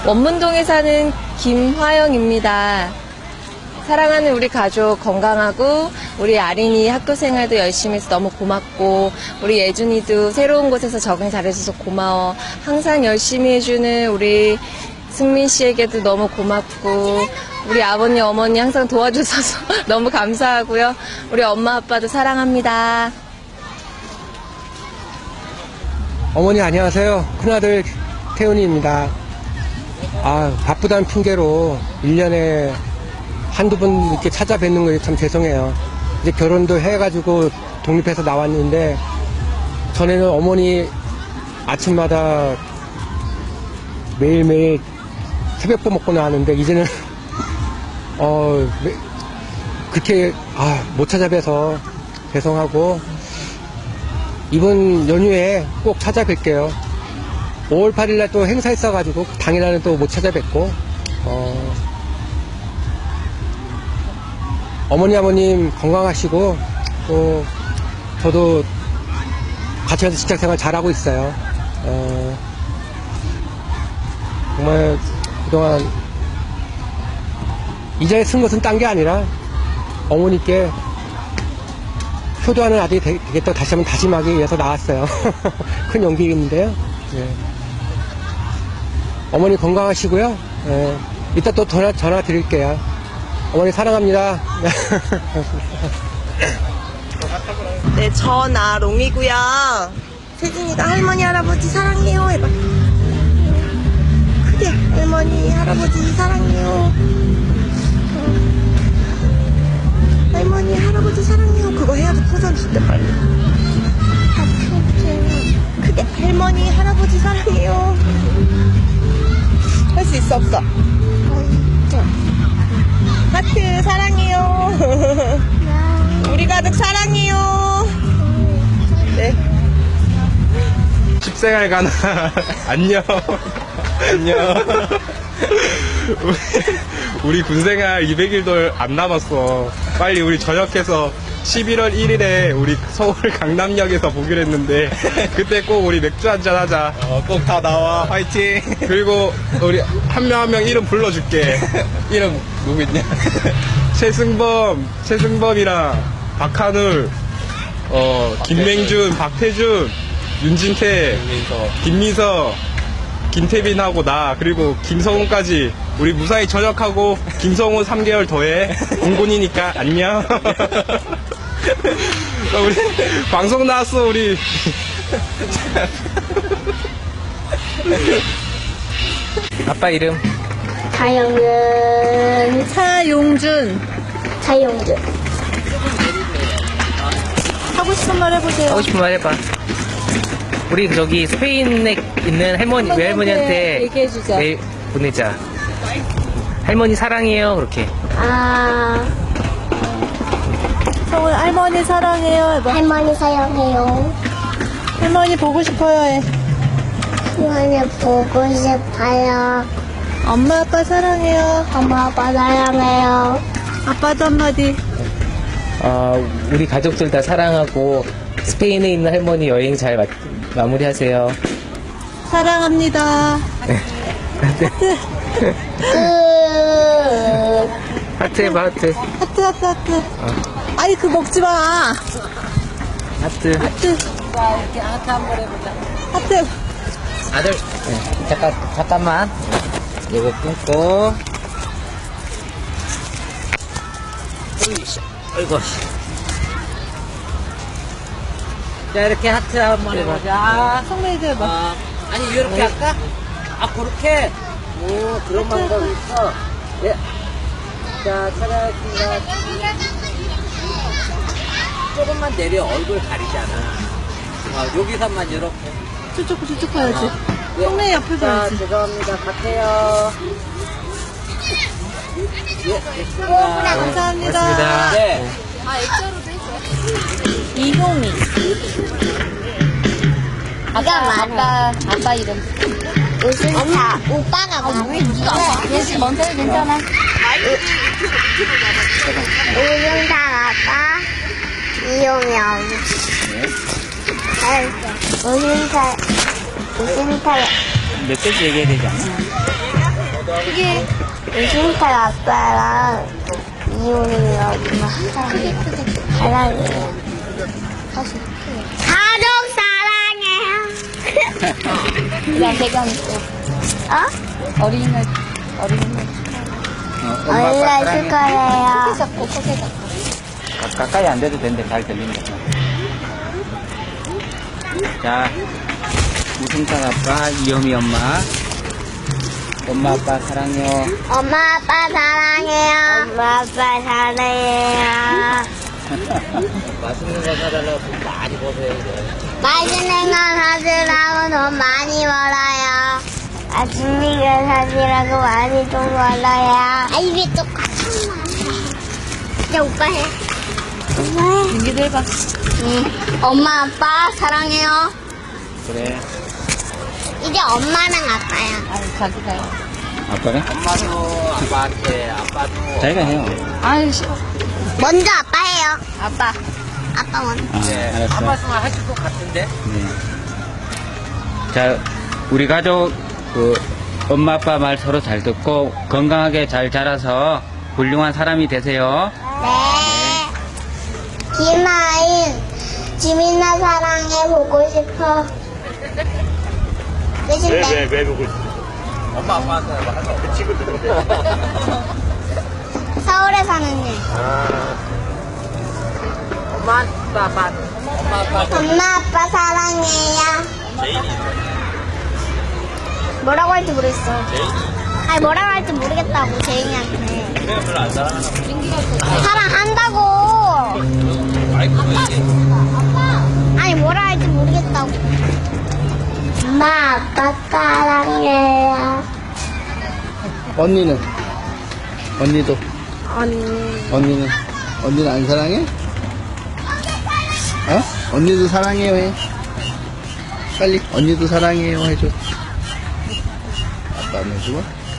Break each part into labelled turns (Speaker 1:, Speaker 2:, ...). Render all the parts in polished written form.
Speaker 1: 원문동에 사는 김화영입니다. 사랑하는 우리 가족 건강하고 우리 아린이 학교 생활도 열심히 해서 너무 고맙고 우리 예준이도 새로운 곳에서 적응 잘해줘서 고마워. 항상 열심히 해주는 우리 승민 씨에게도 너무 고맙고 우리 아버님 어머니 항상 도와주셔서 너무 감사하고요. 우리 엄마 아빠도 사랑합니다.
Speaker 2: 어머니 안녕하세요. 큰아들 태훈이입니다. 바쁘다는 핑계로 1년에 한두 번 이렇게 찾아뵙는 거 참 죄송해요. 이제 결혼도 해가지고 독립해서 나왔는데 전에는 어머니 아침마다 매일매일 새벽밥 먹고 나왔는데 이제는 그렇게 못 찾아뵈서 죄송하고 이번 연휴에 꼭 찾아뵐게요. 5월 8일날 또 행사 있어가지고 당일날은 또 못 찾아뵙고 어머니 아버님 건강하시고 또 저도 같이 가서 직장생활 잘하고 있어요. 정말 그동안 이 자리에 쓴 것은 딴 게 아니라 어머니께 효도하는 아들이 되겠다고 다시 한번 다짐하기 위해서 나왔어요. 큰 용기인데요. 어머니 건강하시고요. 이따 또 전화 드릴게요. 어머니 사랑합니다.
Speaker 3: 네, 전아롱이고요. 세진이가 할머니 할아버지 사랑해요 해봐. 크게 할머니 할아버지 사랑해요. 할머니 할아버지 사랑해요. 그거 해야지 포전 줄 때 빨리. 크게 할머니 할아버지 사랑해요. 할 수 있어 없어? 하트 사랑해요. 우리 가족 사랑해요. 네.
Speaker 4: 십생활 안녕. 안녕. 우리 군생활 200일도 안 남았어. 빨리 우리 전역해서 11월 1일에 우리 서울 강남역에서 보기로 했는데 그때 꼭 우리 맥주 한잔 하자.
Speaker 5: 꼭 다 나와. 화이팅.
Speaker 4: 그리고 우리 한 명 한 명 이름 불러줄게.
Speaker 5: 이름 누구 있냐?
Speaker 4: 최승범이랑 박한울, 김맹준, 박태준, 윤진태, 김민서, 김태빈하고 나, 그리고 김성훈까지 우리 무사히 전역하고 김성훈 3개월 더해. 공군이니까 안녕. 우리 방송 나왔어 우리.
Speaker 6: 아빠 이름
Speaker 7: 차영은
Speaker 1: 차용준.
Speaker 7: 차용준.
Speaker 1: 하고 싶은 말 해보세요.
Speaker 6: 하고 싶은 말 해봐. 우리 저기 스페인에 있는 할머니 외할머니한테
Speaker 1: 얘기해주자.
Speaker 6: 메일 보내자. 할머니 사랑해요 그렇게.
Speaker 1: 성훈 할머니 사랑해요 해봐.
Speaker 7: 할머니 사랑해요.
Speaker 1: 할머니 보고 싶어요 해.
Speaker 7: 할머니 보고 싶어요.
Speaker 1: 엄마 아빠 사랑해요.
Speaker 7: 엄마 아빠 사랑해요.
Speaker 1: 아빠도 한마디.
Speaker 6: 우리 가족들 다 사랑하고 스페인에 있는 할머니 여행 잘 마무리하세요.
Speaker 1: 사랑합니다.
Speaker 7: 끝.
Speaker 6: 하트 해봐 하트.
Speaker 1: 하트. 아니 그거 먹지 마.
Speaker 6: 하트.
Speaker 1: 자 이렇게 하트 한번 해보자. 하트.
Speaker 6: 아들 잠깐만 이거 끊고. 아이고. 자 이렇게 하트 한번 해보자.
Speaker 1: 성민이도 해봐.
Speaker 6: 아니 이렇게 할까? 그렇게. 오 그런 방법이 있어. 예. 자 찾아뵙겠습니다. 조금만 내려. 얼굴 가리잖아. 여기서만 이렇게.
Speaker 1: 저쪽 봐야지.
Speaker 6: 예.
Speaker 1: 성민이 옆에
Speaker 6: 자
Speaker 1: 봐야지.
Speaker 6: 죄송합니다. 갈게요. 예 됐습니다.
Speaker 1: 감사합니다.
Speaker 6: 고맙습니다. 네.
Speaker 1: 이동이.
Speaker 7: 아빠 이름. 우승차. 오빠가 말해.
Speaker 1: 예지 먼저 해 괜찮아.
Speaker 7: 우승차 아빠. 이용영. 우승차.
Speaker 6: 몇 개씩 얘기해야 되지 않나?
Speaker 7: 우승타 아빠랑 이용이 엄마 사랑해요. 가족 사랑해요.
Speaker 1: 야, 대강
Speaker 7: 어?
Speaker 1: 어린이날
Speaker 7: 어린이날 축하해요.
Speaker 1: 잡고 포개 잡고.
Speaker 5: 가까이 안 돼도 되는데 잘 들린다. 자, 우승찬 아빠, 이영이 엄마. 엄마, 아빠 사랑해요.
Speaker 7: 엄마 아빠 사랑해요. 엄마 아빠 사랑해요.
Speaker 6: 맛있는 거 사달라고 돈 많이 버세요, 이제.
Speaker 7: 맛있는 거 사주라고 돈 많이 벌어요. 맛있는 거 사주라고 많이 돈 벌어요. 아, 입이 똑같은 말이야. 이제 오빠 해. 오빠 해.
Speaker 1: 민기도 해봐.
Speaker 7: 응. 엄마 아빠 사랑해요.
Speaker 5: 그래.
Speaker 7: 이제 엄마랑 아빠야.
Speaker 1: 아유, 자기가요.
Speaker 5: 아빠는?
Speaker 6: 엄마도 아빠한테, 아빠도.
Speaker 5: 자기가 해요.
Speaker 1: 아유, 싫어.
Speaker 7: 먼저 아빠 해요.
Speaker 1: 아빠.
Speaker 7: 아빠 먼저.
Speaker 5: 아, 알았어.
Speaker 6: 한 말씀 해줄 것 같은데?
Speaker 5: 네. 자, 우리 가족, 엄마, 아빠 말 서로 잘 듣고 건강하게 잘 자라서 훌륭한 사람이 되세요.
Speaker 7: 네. 김아인, 지민아 사랑해 보고 싶어. 끝인데.
Speaker 4: 왜 보고 싶어?
Speaker 6: 엄마, 아빠한테 하자. 그 친구들.
Speaker 7: 서울에 사는 애.
Speaker 6: 엄마, 아빠. 엄마, 아빠.
Speaker 7: 엄마 아빠 사랑해요. 뭐라고 할지 모르겠어. 아니 뭐라고 할지 모르겠다고 제인이한테.
Speaker 6: 그래, 별로 안 사랑하나 봐.
Speaker 7: 사랑한다고. 아니 뭐라 할지 모르겠다고. 엄마 아빠 사랑해요.
Speaker 2: 언니는? 언니도?
Speaker 7: 언니.
Speaker 2: 언니는 안 사랑해? 어? 언니도 사랑해요 해. 빨리 언니도 사랑해요 해줘. 아빠 안 해주고?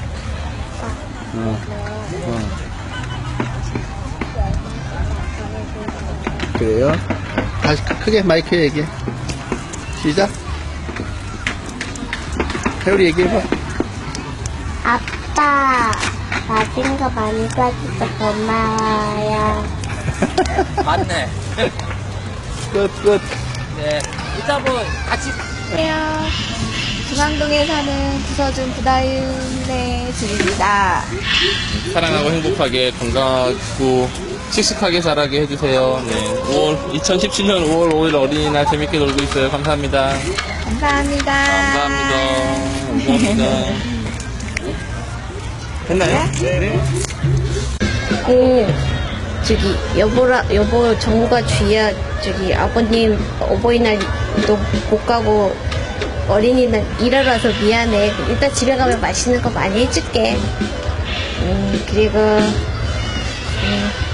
Speaker 2: 그래요? 다시 크게 마이크에 얘기해. 시작. 태우리 얘기해봐.
Speaker 7: 아빠 맛있는 거 많이 사줘서 고마워요.
Speaker 6: 맞네.
Speaker 2: 끝.
Speaker 6: 네. 이따 뭐, 같이.
Speaker 1: 안녕하세요. 중앙동에 사는 부서준 부다윤의 집입니다.
Speaker 8: 사랑하고 행복하게 건강하고 씩씩하게 자라게 해주세요. 네. 2017년 5월 5일 어린이날 재밌게 놀고 있어요. 감사합니다.
Speaker 1: 감사합니다.
Speaker 8: 감사합니다.
Speaker 2: 됐나요?
Speaker 9: 여보, 정우가 주희야, 아버님 어버이날도 못 가고 어린이날 일하러 와서 미안해. 이따 집에 가면 맛있는 거 많이 해줄게. 그리고,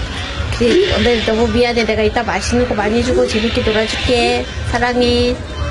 Speaker 9: 오늘 너무 미안해. 내가 이따 맛있는 거 많이 주고 재밌게 놀아줄게. 사랑해.